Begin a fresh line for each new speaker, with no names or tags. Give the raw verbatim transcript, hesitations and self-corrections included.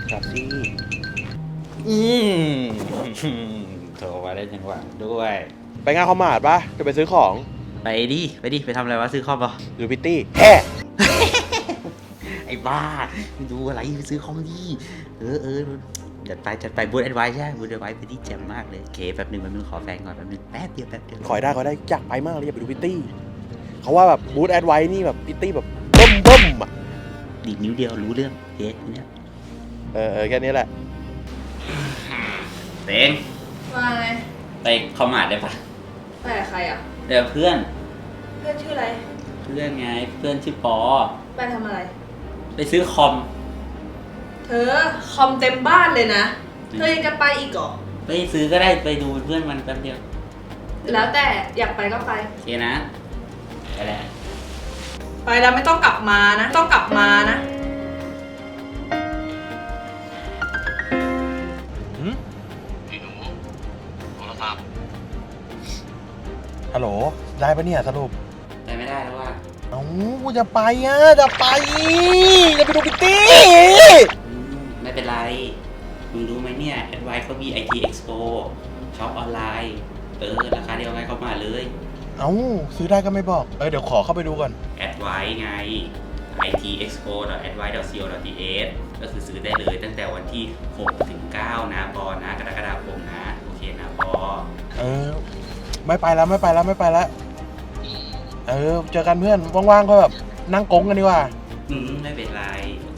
จับสิ
อืมโทรมาได้จังหวะด้วย
ไปงานคอมมาร์ทปะจะไปซื้อของ
ไปดิไปดิไปทำอะไรวะซื้อคอมเหรอ
ดูพิตตี้แฮ่
ไอ้บ้าไปดูอะไรไปซื้อคอมดีเออเออจัดไปจัดไปบูธแอดไวใช่บูธแอดไวไปที่แจ่มมากเลยเคแป๊บหนึงแป๊บนึงขอแฟนก่อนแป๊บนึงแป๊บเดียวแป๊บเดียว
ขอยได้ขอยได้อยากไปมากเลยอยากไปดูพิตตี้เขาว่าแบบบูธแอดไว้นี่แบบพิตตี้แบบเบิ่มเบิ่มอ่ะ
ดีดนิ้วเดียวรู้เรื่องเฮ้ยเนี่ย
เออเออแค่นี้แหละ
เต็ง
มาไง
ไปคอมมาร์ทได้ปะ
ไปกับใครอ่ะ
เดี๋ยวเพื่อน
เพื่อนชื่ออะไร
เพื่อนไงเพื่อนชื่อปอ
ไปทำอะไร
ไปซื้อคอม
เธอคอมเต็มบ้านเลยนะ เธอยังจะไปอีกเหรอ
ไปซื้อก็ได้ไปดูเพื่อนมันแป๊บเดียว
แล้วแต่อยากไปก็ไป
โอเคนะไปแล้ว
ไปแล้วไม่ต้องกลับมานะ ต้องกลับมานะ
หืม
พี่หนูโทรศัพท์
ฮัลโหลได้ปะเนี่ยสรุป
ไปไม่ได้แล้วว่า
เอ้ากูจะไปอ่ะจะไปจะไปดูพิตตี้
ไม่เป็นไรมึงรู้ไหมเนี่ยแอดไวเขามี ไอ ที Expo ช็อปออนไลน์ เออ ราคาเดียวกันเข้ามาเลย
เอ้าซื้อได้ก็ไม่บอกเออเดี๋ยวขอเข้าไปดูก่อน
แอดไวไง ไอ ที เอ็กซ์โป ดอท แอดไว ดอท ซี โอ ดอท ที เอช ก็คือซื้อได้เลยตั้งแต่วันที่หกถึงเก้านะปอนะกรกฎาคมนะ โอเคนะปอ
เออไม่ไปแล้วไม่ไปแล้วไม่ไปแล้วเออเจอกันเพื่อนว่างๆก็แบบนั่งกงกันดีกว่า
อืมไม่เป็นไร โอ